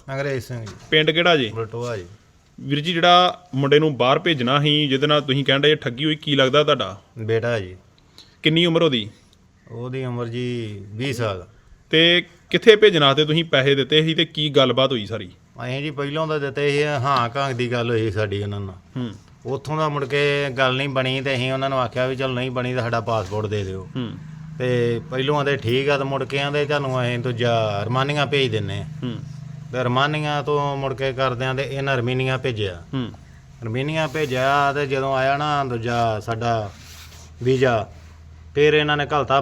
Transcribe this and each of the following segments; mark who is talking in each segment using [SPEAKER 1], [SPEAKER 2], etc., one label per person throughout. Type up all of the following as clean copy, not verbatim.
[SPEAKER 1] ਅੰਗਰੇਜ਼ ਸਿੰਘ ਜੀ।
[SPEAKER 2] ਪਿੰਡ ਕਿਹੜਾ ਜੀ?
[SPEAKER 1] ਬਲਟੋਆ ਜੀ।
[SPEAKER 2] ਵੀਰ ਜੀ ਜਿਹੜਾ ਮੁੰਡੇ ਨੂੰ ਬਾਹਰ ਭੇਜਣਾ ਸੀ ਜਿਹਦੇ ਨਾਲ ਤੁਸੀਂ ਕਹਿੰਦੇ ਠੱਗੀ ਹੋਈ, ਕੀ ਲੱਗਦਾ ਤੁਹਾਡਾ?
[SPEAKER 1] ਬੇਟਾ ਜੀ।
[SPEAKER 2] ਕਿੰਨੀ ਉਮਰ ਉਹਦੀ?
[SPEAKER 1] ਉਹਦੀ ਉਮਰ ਜੀ 20 ਸਾਲ।
[SPEAKER 2] ਤੇ ਕਿੱਥੇ ਭੇਜਣਾ ਤੇ ਤੁਸੀਂ ਪੈਸੇ ਦਿੱਤੇ ਸੀ ਤੇ ਕੀ ਗੱਲਬਾਤ ਹੋਈ ਸਾਰੀ?
[SPEAKER 1] ਅਸੀਂ ਜੀ ਪਹਿਲੋਂ ਤਾਂ ਦਿੱਤੇ ਸੀ, ਹਾਂ ਘਾਂਗ ਦੀ ਗੱਲ ਹੋਈ ਸਾਡੀ ਉਹਨਾਂ ਨਾਲ। ਉੱਥੋਂ ਦਾ ਮੁੜ ਕੇ ਗੱਲ ਨਹੀਂ ਬਣੀ ਤੇ ਅਸੀਂ ਉਹਨਾਂ ਨੂੰ ਆਖਿਆ ਵੀ ਚਲ ਨਹੀਂ ਬਣੀ ਤਾਂ ਸਾਡਾ ਪਾਸਪੋਰਟ ਦੇ ਦਿਓ। ਤੇ ਪਹਿਲੋਂ ਆਂਦੇ ਠੀਕ ਆ, ਤੇ ਮੁੜ ਕੇ ਆਂਦੇ ਤੁਹਾਨੂੰ ਅਸੀਂ ਦੂਜਾ ਰਮਾਨੀਆਂ ਭੇਜ ਦਿੰਨੇ ਆ। ਤੇ ਰਮਾਨੀਆਂ ਤੋਂ ਮੁੜ ਕੇ ਕਰਦਿਆਂ ਤੇ ਇਹਨਾਂ ਰਮੀਨੀਆਂ ਭੇਜਿਆ। ਰਮੀਨੀਆਂ ਭੇਜਿਆ ਤੇ ਜਦੋਂ ਆਇਆ ਨਾ ਦੂਜਾ ਸਾਡਾ ਵੀਜ਼ਾ, ਫਿਰ ਇਹਨਾਂ ਨੇ ਘਲਤਾ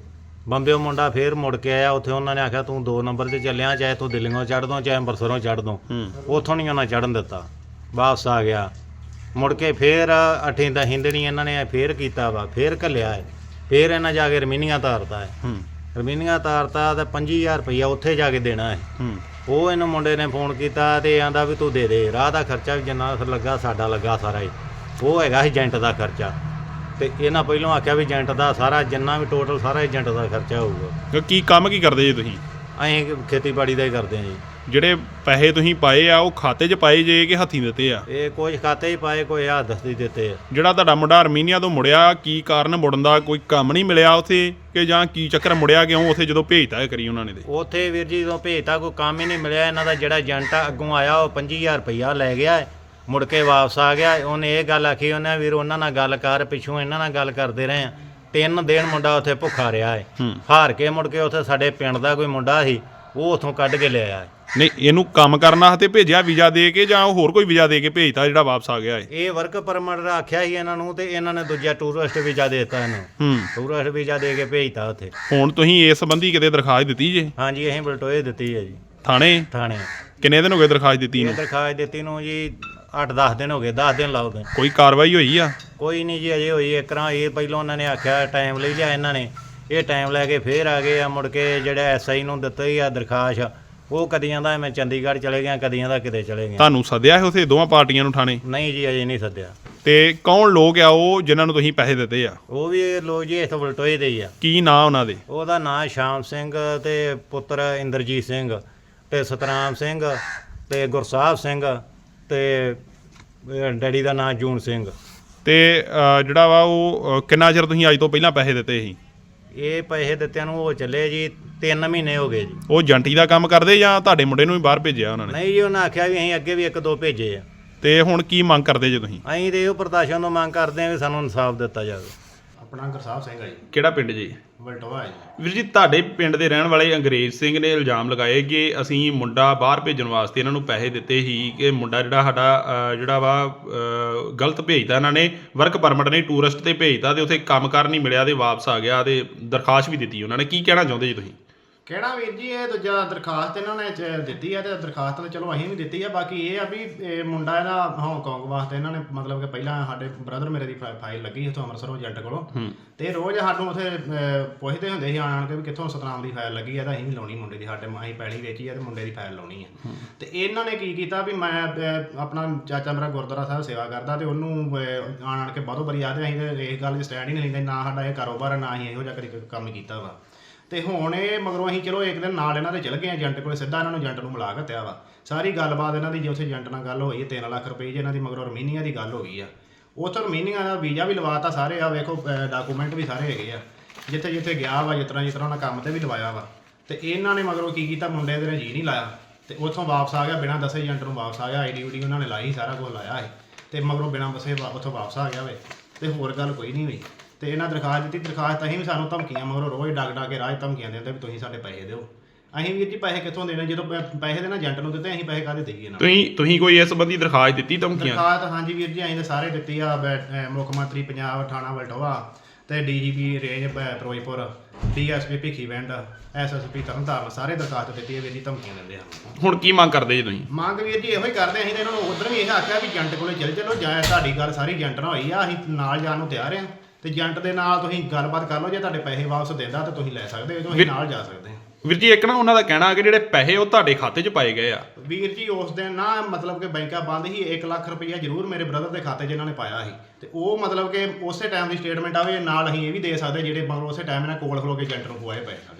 [SPEAKER 1] ਬੰਬੇ ਮੁੰਡਾ ਫਿਰ ਮੁੜ ਕੇ ਆਇਆ। ਉੱਥੇ ਉਹਨਾਂ ਨੇ ਆਖਿਆ ਤੂੰ 2 ਨੰਬਰ 'ਤੇ ਚੱਲਿਆ, ਚਾਹੇ ਤੂੰ ਦਿੱਲੀੋਂ ਚੜ੍ਹ ਦੋ ਚਾਹੇ ਅੰਮ੍ਰਿਤਸਰੋਂ ਚੜ੍ਹ ਦੋ। ਉੱਥੋਂ ਨਹੀਂ ਉਹਨਾਂ ਚੜ੍ਹਨ ਦਿੱਤਾ, ਵਾਪਸ ਆ ਗਿਆ। ਮੁੜ ਕੇ ਫਿਰ 8 10 ਦਿਨ ਇਹਨਾਂ ਨੇ ਫਿਰ ਕੀਤਾ ਵਾ, ਫਿਰ ਘੱਲਿਆ ਹੈ। ਫਿਰ ਇਹਨਾਂ ਜਾ ਕੇ ਰਮੀਨੀਆਂ ਤਾਰਤਾ ਹੈ। ਰਮੀਨੀਆਂ ਤਾਰਤਾ ਤੇ 50,000 ਰੁਪਈਆ ਉੱਥੇ ਜਾ ਕੇ ਦੇਣਾ ਹੈ। ਉਹ ਇਹਨੂੰ ਮੁੰਡੇ ਨੇ ਫੋਨ ਕੀਤਾ ਤੇ ਆਂਦਾ ਵੀ ਤੂੰ ਦੇ ਦੇ, ਰਾਹ ਦਾ ਖਰਚਾ ਵੀ ਜਿੰਨਾ ਲੱਗਾ ਸਾਡਾ ਲੱਗਾ ਸਾਰਾ ਹੀ। ਉਹ ਹੈਗਾ ਸੀ ਏਜੰਟ ਦਾ ਖਰਚਾ। ਤੇ ਇਹਨਾਂ ਪਹਿਲੋਂ ਆਖਿਆ ਵੀ ਏਜੰਟ ਦਾ ਸਾਰਾ ਜਿੰਨਾ ਵੀ ਟੋਟਲ ਸਾਰਾ ਏਜੰਟ ਦਾ ਖਰਚਾ ਹੋਊਗਾ।
[SPEAKER 2] ਕੀ ਕੰਮ ਕੀ ਕਰਦੇ ਜੀ ਤੁਸੀਂ?
[SPEAKER 1] ਅਸੀਂ ਖੇਤੀਬਾੜੀ ਦਾ ਹੀ ਕਰਦੇ ਹਾਂ ਜੀ।
[SPEAKER 2] ਜਿਹੜੇ ਪੈਸੇ ਤੁਸੀਂ ਪਾਏ ਆ ਉਹ ਖਾਤੇ 'ਚ ਪਾਏ ਜੇ ਕਿ ਹੱਥੀਂ ਦਿੱਤੇ ਆ?
[SPEAKER 1] ਇਹ ਕੁਝ ਖਾਤੇ ਹੀ ਪਾਏ, ਕੋਈ ਹੱਥ ਦਸਤੀ ਦਿੱਤੇ ਆ।
[SPEAKER 2] ਜਿਹੜਾ ਤੁਹਾਡਾ ਮੁੰਡਾ ਅਰਮੀਨੀਆ ਤੋਂ ਮੁੜਿਆ, ਕੀ ਕਾਰਨ ਮੁੜਨ ਦਾ? ਕੋਈ ਕੰਮ ਨਹੀਂ ਮਿਲਿਆ ਉੱਥੇ ਕਿ ਜਾਂ ਕੀ ਚੱਕਰ ਮੁੜਿਆ ਕਿਉਂ ਉੱਥੇ ਜਦੋਂ ਭੇਜਤਾ ਕਰੀ ਉਹਨਾਂ ਨੇ? ਤੇ
[SPEAKER 1] ਉੱਥੇ ਵੀਰ ਜੀ ਜਦੋਂ ਭੇਜਤਾ ਕੋਈ ਕੰਮ ਹੀ ਨਹੀਂ ਮਿਲਿਆ। ਇਹਨਾਂ ਦਾ ਜਿਹੜਾ ਏਜੰਟ ਆ ਅੱਗੋਂ ਆਇਆ ਉਹ 50,000 ਰੁਪਈਆ ਲੈ ਗਿਆ, ਮੁੜ ਕੇ ਵਾਪਸ ਆ ਗਿਆ। ਉਹਨੇ ਇਹ ਗੱਲ ਆਖੀ, ਉਹਨੇ ਵੀਰ ਉਹਨਾਂ ਨਾਲ ਗੱਲ ਕਰ, ਪਿੱਛੋਂ ਇਹਨਾਂ ਨਾਲ ਗੱਲ ਕਰਦੇ ਰਹੇ ਆ। 3 ਦਿਨ ਮੁੰਡਾ ਉੱਥੇ ਭੁੱਖਾ ਰਿਹਾ ਹੈ। ਹਾਰ ਕੇ ਮੁੜ ਕੇ ਉੱਥੇ ਸਾਡੇ ਪਿੰਡ ਦਾ ਕੋਈ ਮੁੰਡਾ ਸੀ, ਉਹ ਉੱਥੋਂ ਕੱਢ ਕੇ ਲਿਆਇਆ ਹੈ।
[SPEAKER 2] ਨਹੀਂ, ਇਹਨੂੰ ਕੰਮ ਕਰਨਾ ਤੇ ਭੇਜਿਆ ਵੀਜ਼ਾ ਦੇ ਕੇ ਜਾਂ ਹੋਰ ਕੋਈ ਵੀਜ਼ਾ ਦੇ ਕੇ ਭੇਜਤਾ ਜਿਹੜਾ ਵਾਪਸ ਆ ਗਿਆ ਹੈ?
[SPEAKER 1] ਇਹ ਵਰਕ ਪਰਮਿਟ ਆਖਿਆ ਸੀ ਇਹਨਾਂ ਨੂੰ, ਤੇ ਇਹਨਾਂ ਨੇ ਦੂਜਾ ਟੂਰਿਸਟ ਵੀਜ਼ਾ ਦੇ ਦਿੱਤਾ ਇਹਨੂੰ। ਟੂਰਿਸਟ ਵੀਜ਼ਾ ਦੇ ਕੇ ਭੇਜਤਾ ਉੱਥੇ।
[SPEAKER 2] ਹੁਣ ਤੁਸੀਂ ਇਸ ਸੰਬੰਧੀ ਕਿਤੇ ਦਰਖਾਸਤ ਦਿੱਤੀ ਜੇ?
[SPEAKER 1] ਹਾਂਜੀ, ਅਸੀਂ ਬਲਟੋਏ ਦਿੱਤੀ ਹੈ ਜੀ।
[SPEAKER 2] ਥਾਣੇ?
[SPEAKER 1] ਕਿੰਨੇ
[SPEAKER 2] ਦਿਨ ਹੋ ਗਏ ਦਰਖਾਸਤ ਦਿੱਤੀ ਨੂੰ?
[SPEAKER 1] ਦਰਖਾਸਤ ਦਿੱਤੀ ਨੂੰ ਜੀ 8-10 ਦਿਨ ਹੋ ਗਏ, 10 ਦਿਨ ਲਾਓ।
[SPEAKER 2] ਕੋਈ ਕਾਰਵਾਈ ਹੋਈ ਆ?
[SPEAKER 1] ਕੋਈ ਨਹੀਂ ਜੀ, ਅਜੇ ਹੋਈ ਇੱਕ ਤਰ੍ਹਾਂ। ਇਹ ਪਹਿਲਾਂ ਉਹਨਾਂ ਨੇ ਆਖਿਆ ਟਾਈਮ ਲਈ ਲਿਆ, ਇਹਨਾਂ ਨੇ ਇਹ ਟਾਈਮ ਲੈ ਕੇ ਫੇਰ ਆ ਗਏ ਆ। ਮੁੜ ਕੇ ਜਿਹੜਾ SI ਨੂੰ ਦਿੱਤੀ ਆ ਦਰਖਾਸਤ, ਉਹ ਕਦੀਆਂ ਦਾ ਮੈਂ ਚੰਡੀਗੜ੍ਹ ਚਲੇ ਗਿਆ, ਕਦੀਆਂ ਦਾ ਕਿਤੇ ਚਲੇ ਗਿਆ।
[SPEAKER 2] ਤੁਹਾਨੂੰ ਸੱਦਿਆ ਹੈ ਉੱਥੇ ਦੋਵਾਂ ਪਾਰਟੀਆਂ ਨੂੰ ਥਾਣੇ?
[SPEAKER 1] ਨਹੀਂ ਜੀ, ਅਜੇ ਨਹੀਂ ਸੱਦਿਆ।
[SPEAKER 2] ਤੇ ਕੌਣ ਲੋਕ ਆ ਉਹ ਜਿਨ੍ਹਾਂ ਨੂੰ ਤੁਸੀਂ ਪੈਸੇ ਦਿੱਤੇ ਆ?
[SPEAKER 1] ਉਹ ਵੀ ਲੋਕ ਜੀ ਇੱਥੋਂ ਬਲਟੋਏ ਦੇ ਹੀ ਆ।
[SPEAKER 2] ਕੀ ਨਾਂ ਉਹਨਾਂ ਦੇ?
[SPEAKER 1] ਉਹਦਾ ਨਾਂ ਸ਼ਾਮ ਸਿੰਘ ਤੇ ਪੁੱਤਰ ਇੰਦਰਜੀਤ ਸਿੰਘ ਤੇ ਸਤਨਾਮ ਸਿੰਘ ਤੇ ਗੁਰਸਾਹਿਬ ਸਿੰਘ ਤੇ ਡੈਡੀ ਦਾ ਨਾਂ ਜੂਨ ਸਿੰਘ।
[SPEAKER 2] ਤੇ ਜਿਹੜਾ ਵਾ ਉਹ ਕਿੰਨਾ ਚਿਰ ਤੁਸੀਂ ਅੱਜ ਤੋਂ ਪਹਿਲਾਂ ਪੈਸੇ ਦਿੱਤੇ ਸੀ?
[SPEAKER 1] ਇਹ ਪੈਸੇ ਦਿੱਤਿਆਂ ਨੂੰ ਉਹ ਚੱਲੇ ਜੀ 3 ਮਹੀਨੇ ਹੋ ਗਏ ਜੀ।
[SPEAKER 2] ਉਹ ਜੰਟੀ ਦਾ ਕੰਮ ਕਰਦੇ ਜਾਂ ਤੁਹਾਡੇ ਮੁੰਡੇ ਨੂੰ ਵੀ ਬਾਹਰ ਭੇਜਿਆ ਉਹਨਾਂ ਨੇ?
[SPEAKER 1] ਨਹੀਂ ਜੀ, ਉਹਨਾਂ ਆਖਿਆ ਵੀ ਅਸੀਂ ਅੱਗੇ ਵੀ 1-2 ਭੇਜੇ ਆ।
[SPEAKER 2] ਤੇ ਹੁਣ ਕੀ ਮੰਗ ਕਰਦੇ ਜੇ ਤੁਸੀਂ?
[SPEAKER 1] ਅਸੀਂ ਤੇ ਇਹੋ ਪ੍ਰਸ਼ਾਸਨ ਤੋਂ ਮੰਗ ਕਰਦੇ ਹਾਂ ਵੀ ਸਾਨੂੰ ਇਨਸਾਫ ਦਿੱਤਾ ਜਾਵੇ। ਆਪਣਾ ਗੁਰਸਾਹਿਬ ਸਿੰਘ ਆ ਜੀ।
[SPEAKER 2] ਕਿਹੜਾ ਪਿੰਡ ਜੀ?
[SPEAKER 1] ਬਲਟੋਆ ਜੀ।
[SPEAKER 2] ਵੀਰ ਜੀ, ਤੁਹਾਡੇ ਪਿੰਡ ਦੇ ਰਹਿਣ ਵਾਲੇ ਅੰਗਰੇਜ਼ ਸਿੰਘ ਨੇ ਇਲਜ਼ਾਮ ਲਗਾਏ ਕਿ ਅਸੀਂ ਮੁੰਡਾ ਬਾਹਰ ਭੇਜਣ ਵਾਸਤੇ ਇਹਨਾਂ ਨੂੰ ਪੈਸੇ ਦਿੱਤੇ ਸੀ, ਕਿ ਮੁੰਡਾ ਜਿਹੜਾ ਸਾਡਾ ਜਿਹੜਾ ਵਾ ਗਲਤ ਭੇਜਦਾ ਇਹਨਾਂ ਨੇ, ਵਰਕ ਪਰਮਿਟ ਨਹੀਂ ਟੂਰਿਸਟ ਤੇ ਭੇਜਦਾ, ਤੇ ਉੱਥੇ ਕੰਮ ਕਾਰ ਨਹੀਂ ਮਿਲਿਆ ਤੇ ਵਾਪਸ ਆ ਗਿਆ, ਤੇ ਦਰਖਾਸਤ ਵੀ ਦਿੱਤੀ ਉਹਨਾਂ ਨੇ। ਕੀ ਕਹਿਣਾ ਚਾਹੁੰਦੇ ਜੀ ਤੁਸੀਂ?
[SPEAKER 3] ਕਹਿਣਾ ਵੀਰ ਜੀ, ਇਹ ਦੂਜਾ ਦਰਖਾਸਤ ਇਹਨਾਂ ਨੇ ਦਿੱਤੀ ਆ, ਤੇ ਦਰਖਾਸਤ ਤਾਂ ਚਲੋ ਅਸੀਂ ਵੀ ਦਿੱਤੀ ਆ। ਬਾਕੀ ਇਹ ਆ ਵੀ ਇਹ ਮੁੰਡਾ ਇਹਦਾ ਹਾਂਗਕਾਂਗ ਵਾਸਤੇ ਇਹਨਾਂ ਨੇ ਮਤਲਬ ਕਿ ਪਹਿਲਾਂ ਸਾਡੇ ਬ੍ਰਦਰ ਮੇਰੇ ਦੀ ਫਾਈਲ ਲੱਗੀ ਉੱਥੋਂ ਅੰਮ੍ਰਿਤਸਰੋਂ ਏਜੰਟ ਕੋਲੋਂ, ਤੇ ਰੋਜ਼ ਸਾਨੂੰ ਉੱਥੇ ਪੁੱਛਦੇ ਹੁੰਦੇ ਸੀ ਆਣ ਕੇ ਵੀ ਕਿੱਥੋਂ ਸਤਨਾਮ ਦੀ ਫਾਈਲ ਲੱਗੀ ਆ, ਤਾਂ ਅਸੀਂ ਵੀ ਲਾਉਣੀ ਮੁੰਡੇ ਦੀ। ਸਾਡੇ ਅਸੀਂ ਪੈਲੀ ਵੇਚੀ ਆ ਤੇ ਮੁੰਡੇ ਦੀ ਫਾਈਲ ਲਾਉਣੀ ਆ। ਤੇ ਇਹਨਾਂ ਨੇ ਕੀ ਕੀਤਾ ਵੀ ਮੈਂ ਆਪਣਾ ਚਾਚਾ ਮੇਰਾ ਗੁਰਦੁਆਰਾ ਸਾਹਿਬ ਸੇਵਾ ਕਰਦਾ, ਤੇ ਉਹਨੂੰ ਆਣ ਕੇ ਬਾਹਰੋਂ ਬਰੀ ਆਦੇ, ਅਸੀਂ ਤੇ ਇਸ ਗੱਲ 'ਚ ਸਟੈਂਡ ਹੀ ਨਹੀਂ ਲੈਂਦੇ, ਨਾ ਸਾਡਾ ਇਹ ਕਾਰੋਬਾਰ, ਨਾ ਅਸੀਂ ਇਹੋ ਜਿਹਾ ਕਦੇ ਕੰਮ ਕੀਤਾ ਵਾ। ਤੇ ਹੁਣ ਇਹ ਮਗਰੋਂ ਅਸੀਂ ਚਲੋ ਇੱਕ ਦਿਨ ਨਾਲ ਇਹਨਾਂ ਦੇ ਚਲੇ ਗਏ ਏਜੰਟ ਕੋਲ, ਸਿੱਧਾ ਇਹਨਾਂ ਨੂੰ ਏਜੰਟ ਨੂੰ ਮਿਲਾ ਘੱਤਿਆ ਵਾ। ਸਾਰੀ ਗੱਲਬਾਤ ਇਹਨਾਂ ਦੀ ਜੇ ਉੱਥੇ ਏਜੰਟ ਨਾਲ ਗੱਲ ਹੋਈ ਹੈ 3 ਲੱਖ ਰੁਪਏ, ਜੇ ਇਹਨਾਂ ਦੀ ਮਗਰੋਂ ਰਮੀਨੀਆ ਦੀ ਗੱਲ ਹੋ ਗਈ ਆ। ਉੱਥੋਂ ਰਮੀਨੀਆ ਦਾ ਵੀਜ਼ਾ ਵੀ ਲਵਾਤਾ ਸਾਰੇ, ਆ ਵੇਖੋ ਡਾਕੂਮੈਂਟ ਵੀ ਸਾਰੇ ਹੈਗੇ ਆ, ਜਿੱਥੇ ਜਿੱਥੇ ਗਿਆ ਵਾ, ਜਿਸ ਤਰ੍ਹਾਂ ਉਹਨਾਂ ਕੰਮ ਤੇ ਵੀ ਲਵਾਇਆ ਵਾ। ਤੇ ਇਹਨਾਂ ਨੇ ਮਗਰੋਂ ਕੀ ਕੀਤਾ, ਮੁੰਡੇ ਦੇ ਨੇ ਜੀ ਨਹੀਂ ਲਾਇਆ, ਤੇ ਉੱਥੋਂ ਵਾਪਸ ਆ ਗਿਆ ਬਿਨਾਂ ਦੱਸੇ। ਏਜੰਟ ਨੂੰ ਵਾਪਸ ਆ ਗਿਆ, ID ਉਹਨਾਂ ਨੇ ਲਾਈ, ਸਾਰਾ ਕੁਝ ਲਾਇਆ ਹੈ, ਤੇ ਮਗਰੋਂ ਬਿਨਾਂ ਦੱਸੇ ਉੱਥੋਂ ਵਾਪਸ ਆ ਗਿਆ ਵੇ। ਤੇ ਹੋਰ ਗੱਲ ਕੋਈ ਨਹੀਂ ਹੋਈ। ਤੇ ਇਹਨਾਂ ਦਰਖਾਸਤ ਦਿੱਤੀ, ਦਰਖਾਸਤ ਅਸੀਂ ਵੀ ਸਾਨੂੰ ਧਮਕੀਆਂ ਮਗਰੋਂ ਰੋਜ਼ ਡਾਕ ਕੇ ਰਾਹ ਧਮਕੀਆਂ ਦਿੰਦੇ ਵੀ ਤੁਸੀਂ ਸਾਡੇ ਪੈਸੇ ਦਿਓ। ਅਸੀਂ ਵੀਰ ਜੀ ਪੈਸੇ ਕਿੱਥੋਂ ਦੇਣੇ, ਜਦੋਂ ਪੈਸੇ ਦੇਣਾ ਏਜੰਟ ਨੂੰ ਦਿੱਤੇ, ਅਸੀਂ ਪੈਸੇ ਕਾਹਦੇ ਦੇਈਏ ਨਾ।
[SPEAKER 2] ਤੁਸੀਂ ਕੋਈ ਇਸ ਸੰਬੰਧੀ ਦਰਖਾਸਤ ਦਿੱਤੀ? ਧਮਕੀਆਂ?
[SPEAKER 3] ਦਰਖਾਸਤ ਹਾਂਜੀ ਵੀਰ ਜੀ, ਅਸੀਂ ਤਾਂ ਸਾਰੇ ਦਿੱਤੀ ਆ। ਮੁੱਖ ਮੰਤਰੀ ਪੰਜਾਬ ਥਾਣਾ ਬਲਟੋਆ ਤੇ DGP range Firozpur, DSP Bhikhiwind, SSP Tarn Taran, ਸਾਰੇ ਦਰਖਾਸਤ ਦਿੱਤੀ ਹੈ ਵੀਰ ਜੀ, ਧਮਕੀਆਂ ਦਿੰਦੇ ਹਨ।
[SPEAKER 2] ਹੁਣ ਕੀ ਮੰਗ ਕਰਦੇ ਜੀ ਤੁਸੀਂ?
[SPEAKER 3] ਮੰਗ ਵੀਰ ਜੀ ਇਹੋ ਹੀ ਕਰਦੇ ਅਸੀਂ ਤਾਂ ਇਹਨਾਂ ਨੂੰ ਉਧਰ ਵੀ ਇਹ ਆਖਿਆ ਵੀ ਏਜੰਟ ਕੋਲੇ ਚਲੇ ਚਲੋ, ਜਾਂ ਤੁਹਾਡੀ ਗੱਲ ਸਾਰੀ ਏਜੰਟ ਨਾਲ ਹੋਈ ਆ, ਅਸੀਂ ਨਾਲ ਜਾਣ ਨੂੰ ਤਿਆਰ ਹਾਂ, ਤੇ ਏਜੰਟ ਦੇ ਨਾਲ ਤੁਸੀਂ ਗੱਲਬਾਤ ਕਰ ਲਓ, ਜੇ ਤੁਹਾਡੇ ਪੈਸੇ ਵਾਪਸ ਦਿੰਦਾ ਤਾਂ ਤੁਸੀਂ ਲੈ ਸਕਦੇ ਹੋ, ਤੁਸੀਂ ਨਾਲ ਜਾ ਸਕਦੇ ਹੋ।
[SPEAKER 2] ਵੀਰ ਜੀ, ਇੱਕ ਨਾ ਉਹਨਾਂ ਦਾ ਕਹਿਣਾ ਕਿ ਜਿਹੜੇ ਪੈਸੇ ਉਹ ਤੁਹਾਡੇ ਖਾਤੇ 'ਚ ਪਾਏ ਗਏ ਆ।
[SPEAKER 3] ਵੀਰ ਜੀ ਉਸ ਦਿਨ ਨਾ ਮਤਲਬ ਕਿ ਬੈਂਕਾਂ ਬੰਦ ਸੀ, 1 ਲੱਖ ਰੁਪਈਆ ਜ਼ਰੂਰ ਮੇਰੇ ਬ੍ਰਦਰ ਦੇ ਖਾਤੇ 'ਚ ਇਹਨਾਂ ਨੇ ਪਾਇਆ ਸੀ, ਤੇ ਉਹ ਮਤਲਬ ਕਿ ਉਸੇ ਟਾਈਮ ਦੀ ਸਟੇਟਮੈਂਟ ਆਵੇ ਨਾਲ, ਅਸੀਂ ਇਹ ਵੀ ਦੇ ਸਕਦੇ ਜਿਹੜੇ ਮਗਰ ਉਸੇ ਟਾਈਮ ਇਹਨਾਂ ਕੋਲ ਖਲੋ ਕੇ ਏਜੰਟ ਨੂੰ ਪਵਾਏ ਪਏ ਸਾਡੇ।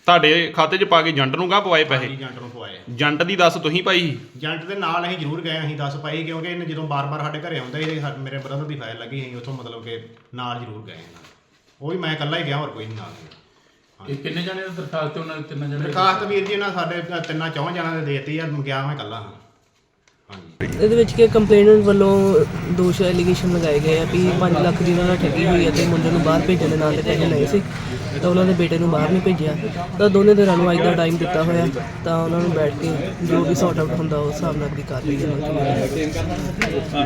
[SPEAKER 2] ਤੁਹਾਡੇ ਖਾਤੇ 'ਚ ਪਾ ਕੇ ਏਜੰਟ ਨੂੰ ਗਾਂ ਪਵਾਏ ਪੈਸੇ?
[SPEAKER 3] ਏਜੰਟ ਨੂੰ ਪਵਾਏ।
[SPEAKER 2] ਏਜੰਟ ਦੀ ਦੱਸ ਤੁਸੀਂ ਪਾਈ ਸੀ?
[SPEAKER 3] ਏਜੰਟ ਦੇ ਨਾਲ ਅਸੀਂ ਜ਼ਰੂਰ ਗਏ, ਅਸੀਂ 10 ਪਾਈ, ਕਿਉਂਕਿ ਇਹਨੇ ਜਦੋਂ ਬਾਰ-ਬਾਰ ਸਾਡੇ ਘਰੇ ਆਉਂਦਾ ਸੀ ਮੇਰੇ ਬ੍ਰਦਰ ਦੀ ਫਾਈਲ ਲੱਗੀ, ਅਸੀਂ ਉੱਥੋਂ ਮਤਲਬ ਕਿ ਨਾਲ ਜ਼ਰੂਰ ਗਏ। ਉਹ ਵੀ ਮੈਂ ਇਕੱਲਾ ਹੀ ਗਿਆ, ਹੋਰ ਕੋਈ ਨਹੀਂ ਨਾਲ।
[SPEAKER 4] ਇਹ ਕਿੰਨੇ ਜਣੇ ਦੀ ਦਰਖਾਸਤ ਉਹਨਾਂ ਦੇ? 3 ਜਣੇ।
[SPEAKER 3] ਦਰਖਾਸਤ ਵੀਰ ਜੀ ਇਹਨਾਂ ਸਾਡੇ 3-4 ਜਣਾਂ ਨੇ ਦੇਤੀ ਆ, ਗਿਆ ਮੈਂ ਇਕੱਲਾ ਹਾਂ। ਹਾਂਜੀ।
[SPEAKER 5] ਇਹਦੇ ਵਿੱਚ ਕਿ ਕੰਪਲੇਨੈਂਟ ਵੱਲੋਂ ਦੋਸ਼ ਐਲੀਗੇਸ਼ਨ ਲਗਾਏ ਗਏ ਆ ਵੀ 5 ਲੱਖ ਦੀ ਉਹਨਾਂ ਨਾਲ ਠੱਗੀ ਹੋਈ ਹੈ ਤੇ ਮੁੰਡੇ ਨੂੰ ਬਾਹਰ ਭੇਜਣ ਦੇ ਨਾਂ ਤੇ ਪੈਸੇ ਲਏ ਸੀ ਤਾਂ ਉਹਨਾਂ ਦੇ ਬੇਟੇ ਨੂੰ ਬਾਹਰ ਨਹੀਂ ਭੇਜਿਆ। ਤਾਂ ਦੋਨੇ ਧਿਰਾਂ ਨੂੰ ਅੱਜ ਦਾ ਟਾਈਮ ਦਿੱਤਾ ਹੋਇਆ, ਤਾਂ ਉਹਨਾਂ ਨੂੰ ਬੈਠ ਕੇ ਜੋ ਵੀ ਸੌਟ ਆਊਟ ਹੁੰਦਾ ਉਸ ਹਿਸਾਬ ਨਾਲ ਦੀ ਕਰ ਲਈ ਜਾਵੇ।